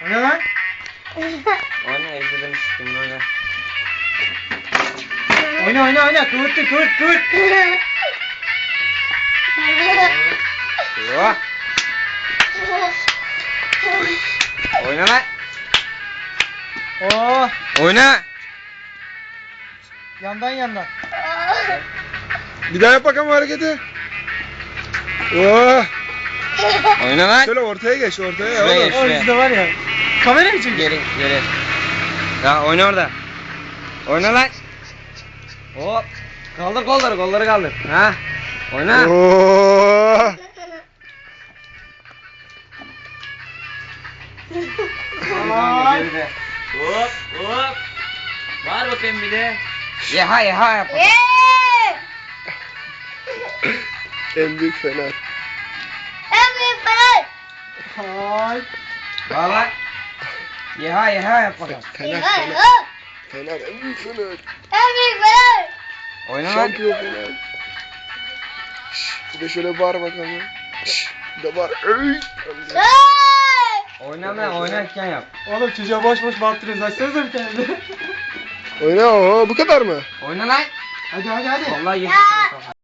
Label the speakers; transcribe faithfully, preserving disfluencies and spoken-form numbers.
Speaker 1: O ne lan?
Speaker 2: Oyna evde demiştim oyna.
Speaker 1: Oyna oyna oyna. Kıvırttır kıvırt kıvırt.
Speaker 2: Yo. Oyna lan.
Speaker 1: Oo.
Speaker 2: Oyna.
Speaker 1: Yandan yandan.
Speaker 3: Bir daha yap bakalım hareketi. Oh.
Speaker 2: Oyna lan.
Speaker 3: Şöyle ortaya geç ortaya.
Speaker 2: Şuraya
Speaker 3: oğlum.
Speaker 2: geç.
Speaker 1: O yüzde var ya. Kamera mı çekiyor?
Speaker 2: Geri geri. Ya oyna orada. Oyna lan. Hop. Kaldır kolları kolları kaldır. Ha. Oyna.
Speaker 3: Oh.
Speaker 1: Ay.
Speaker 2: Geride. Hop hop. Var bakayım bir de. Yeha yeha yap.
Speaker 3: En büyük fener.
Speaker 1: Ay.
Speaker 2: Var lan. Yeha yeha yap bakalım.
Speaker 3: Fener fener. Fener en büyük fener.
Speaker 2: Oyna lan.
Speaker 3: Şampiyon fener. Şşş, bir de şöyle bağır bakalım. Şşş, bir de bağır. Ey.
Speaker 2: Oyna lan oynarken yap.
Speaker 1: Oğlum çocuğa boş boş bağırtırıyoruz. Açsanıza bir tane de.
Speaker 3: Oyna o bu kadar mı?
Speaker 2: Oyna lan.
Speaker 1: Hadi hadi hadi.
Speaker 2: Vallahi geçti.